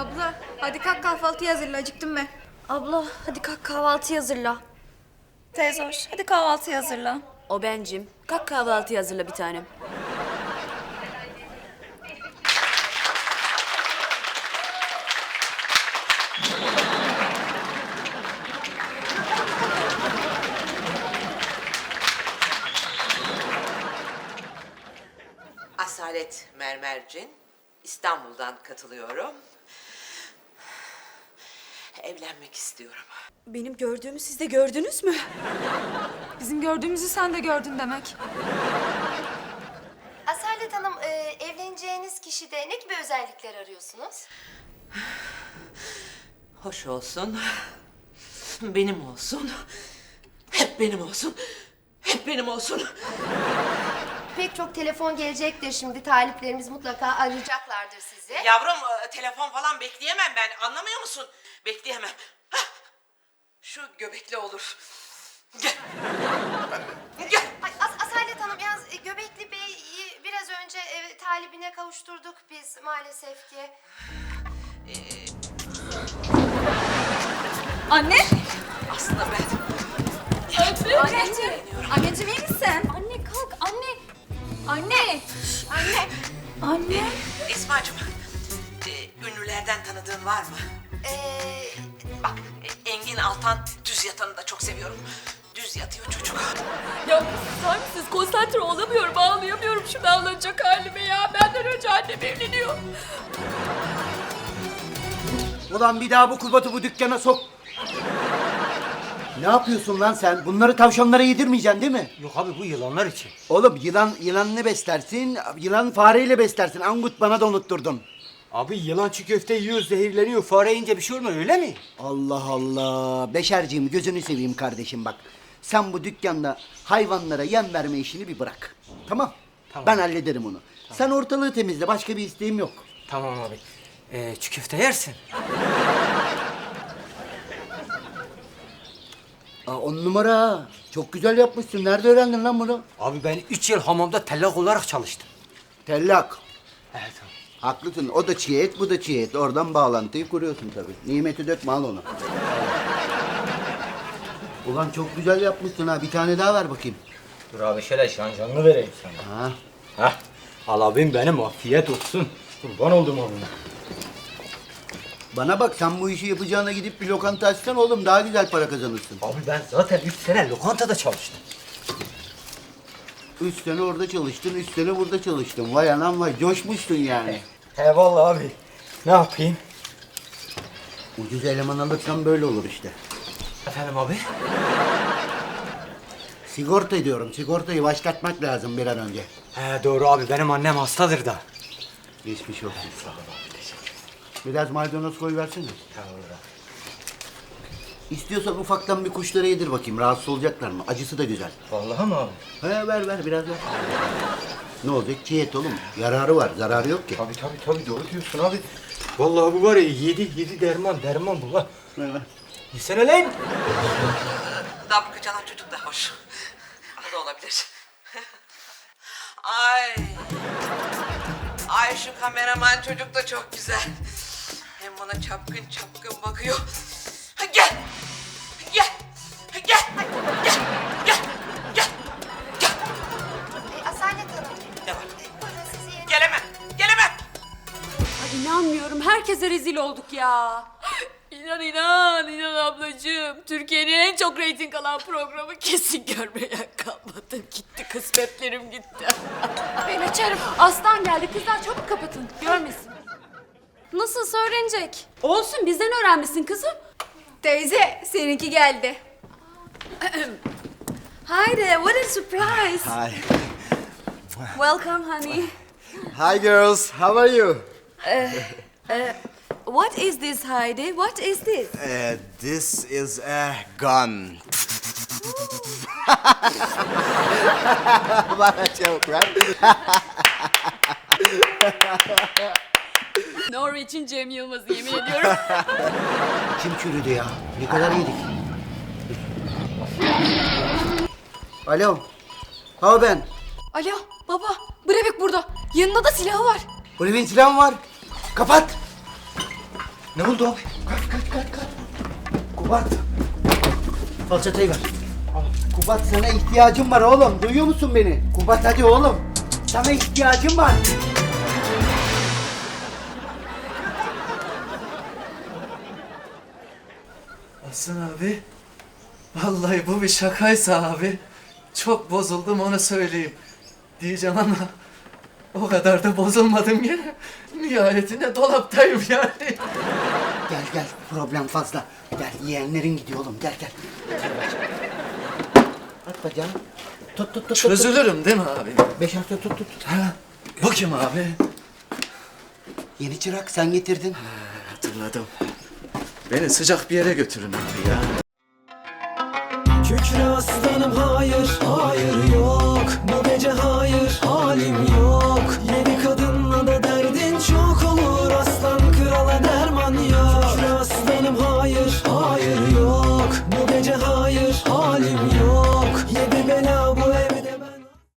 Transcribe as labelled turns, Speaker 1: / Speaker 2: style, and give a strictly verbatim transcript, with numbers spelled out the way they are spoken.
Speaker 1: Abla hadi kalk kahvaltı hazırla, acıktım ben.
Speaker 2: Abla hadi kalk kahvaltı hazırla.
Speaker 1: Teyze hoş, hadi kahvaltı hazırla.
Speaker 2: O bencim. Kalk kahvaltı hazırla bir tanem.
Speaker 3: Asalet Mermercin, İstanbul'dan katılıyorum. Evlenmek istiyorum.
Speaker 2: Benim gördüğümü siz de gördünüz mü?
Speaker 1: Bizim gördüğümüzü sen de gördün demek.
Speaker 4: Asalet Hanım, e, evleneceğiniz kişide ne gibi özellikler arıyorsunuz?
Speaker 3: Hoş olsun, benim olsun, hep benim olsun, hep benim olsun.
Speaker 4: Pek çok telefon gelecektir şimdi. Taliplerimiz mutlaka arayacaklardır sizi.
Speaker 3: Yavrum, e, telefon falan bekleyemem ben, anlamıyor musun? Bekleyemem. Hah! Şu göbekli olur. Gel. Gel.
Speaker 4: Ay, As- Asalet Hanım, yalnız e, Göbekli Bey'i biraz önce e, talibine kavuşturduk biz maalesef ki.
Speaker 1: Anne!
Speaker 3: Aslında ben...
Speaker 1: Anneciğim! Anneciğim iyi misin?
Speaker 2: Anne kalk anne. Anne.
Speaker 4: Anne,
Speaker 1: Anne!
Speaker 3: Esma'cığım, e, ünlülerden tanıdığın var mı?
Speaker 4: e,
Speaker 3: Bak, e, Engin Altan düz yatanı da çok seviyorum. Düz yatıyor çocuk.
Speaker 2: Ya susar mısınız? Konsantre olamıyorum, ağlayamıyorum şu ağlanacak halime ya. Benden önce annem evleniyor.
Speaker 5: Ulan bir daha bu kubatı bu dükkana sok. Ne yapıyorsun lan sen? Bunları tavşanlara yedirmeyeceksin değil mi?
Speaker 6: Yok abi bu yılanlar için.
Speaker 5: Oğlum yılan yılanını beslersin, yılan fareyle beslersin. Angut bana da unutturdun.
Speaker 6: Abi yılan çiğ köfte yiyor, zehirleniyor. Fare yiyince bir şey olmuyor öyle mi?
Speaker 5: Allah Allah. Beşerciğim gözünü seveyim kardeşim bak. Sen bu dükkanda hayvanlara yem verme işini bir bırak. Tamam.
Speaker 6: Tamam.
Speaker 5: Ben hallederim onu. Sen ortalığı temizle. Başka bir isteğim yok.
Speaker 6: Tamam abi. Ee, çiğ köfte yersin.
Speaker 5: Aa, on numara. ha. Çok güzel yapmışsın. Nerede öğrendin lan bunu?
Speaker 6: Abi ben üç yıl hamamda tellak olarak çalıştım.
Speaker 5: Tellak.
Speaker 6: Evet abi.
Speaker 5: Haklısın. O da çiğ et, bu da çiğ et. Oradan bağlantıyı kuruyorsun tabii. Nimeti dökme al onu. Ulan çok güzel yapmışsın ha. Bir tane daha ver bakayım.
Speaker 6: Dur abi şöyle şanjanlı vereyim sana.
Speaker 5: Ha.
Speaker 6: Hah. Al abim benim afiyet olsun. Kurban oldum abime.
Speaker 5: Bana bak sen bu işi yapacağına gidip bir lokanta açsan oğlum daha güzel para kazanırsın.
Speaker 6: Abi ben zaten üç sene lokantada çalıştım.
Speaker 5: Üç sene orada çalıştın, üç sene burada çalıştın. Vay anam vay, coşmuşsun yani.
Speaker 6: He vallahi abi. Ne yapayım?
Speaker 5: Ucuz eleman alırsan böyle olur işte.
Speaker 6: Efendim abi?
Speaker 5: Sigorta ediyorum, sigortayı başlatmak lazım bir an önce.
Speaker 6: He doğru abi benim annem hastadır da.
Speaker 5: Geçmiş olsun. Biraz maydanoz koy versene.
Speaker 6: Tamam abi.
Speaker 5: İstiyorsan ufaktan bir kuşlara yedir bakayım, rahatsız olacaklar mı? Acısı da güzel.
Speaker 6: Vallahi mi abi?
Speaker 5: He ver ver, biraz ver. Ne olacak? Çiğ et oğlum. Yararı var, zararı yok ki.
Speaker 6: Tabii tabii tabii doğru diyorsun abi. Vallahi bu var ya yedi yedi derman derman bu ha.
Speaker 5: Ver ver.
Speaker 6: Yesene lan.
Speaker 3: Dabbe çalan çocuk da hoş. O da olabilir. Ay. Ay şu kameraman çocuk da çok güzel. Hem bana çapkın çapkın bakıyor. Ha, Gel. Gel. Gel. Gel. Gel. Gel. Gel.
Speaker 4: e, Asalet Hanım,
Speaker 3: Ne var?
Speaker 4: e, buyurun sizi yerine...
Speaker 3: Gelemem. Gelemem.
Speaker 2: Ay inanmıyorum. Herkese rezil olduk ya. İnan inan inan ablacığım. Türkiye'nin en çok reyting alan programı kesin görmeye kalmadım. Gitti kısmetlerim gitti.
Speaker 1: Ben açarım. Aslan geldi, kızlar çabuk kapatın, görmesin.
Speaker 2: Nasılsa öğrenecek. Olsun bizden öğrenmişsin kızım.
Speaker 1: Teyze, seninki geldi.
Speaker 2: Hi there, what a surprise.
Speaker 5: Hi.
Speaker 2: Welcome honey.
Speaker 5: Hi girls, how are you?
Speaker 2: What is this Heidi? What is this?
Speaker 7: Uh, this is a gun.
Speaker 5: What a joke, right?
Speaker 2: Norveç'in Cem Yılmaz'ı yemin ediyorum.
Speaker 5: Kim çürüdü ya? Ne kadar yedik? Alo. Ha ben.
Speaker 1: Alo baba, Brevik burada. Yanında da silahı var.
Speaker 5: Olive'nin silahı var. Kapat.
Speaker 6: Ne oldu abi?
Speaker 5: Kaç kaç kaç kaç. Kubat. Falçatayı ver. Kubat sana ihtiyacım var oğlum. Duyuyor musun beni? Kubat hadi oğlum. Sana ihtiyacım var.
Speaker 8: Hasan abi, vallahi bu bir şakaysa abi, çok bozuldum onu söyleyeyim. Diyeceğim ama o kadar da bozulmadım ya. Nihayetinde dolaptayım yani.
Speaker 5: Gel gel problem fazla. Gel yeğenlerin gidiyor oğlum gel gel. At bacağını. Tut tut tut. tut.
Speaker 8: Çözülürüm değil mi abi?
Speaker 5: Beş hafta tut tut.
Speaker 8: Ha, bu kim abi?
Speaker 5: Yeni çırak sen getirdin.
Speaker 8: Hatırladım. Beni sıcak bir yere götürün abi ya.
Speaker 9: Kükre aslanım hayır, hayır yok. Bu gece hayır, halim yok. Yeni kadın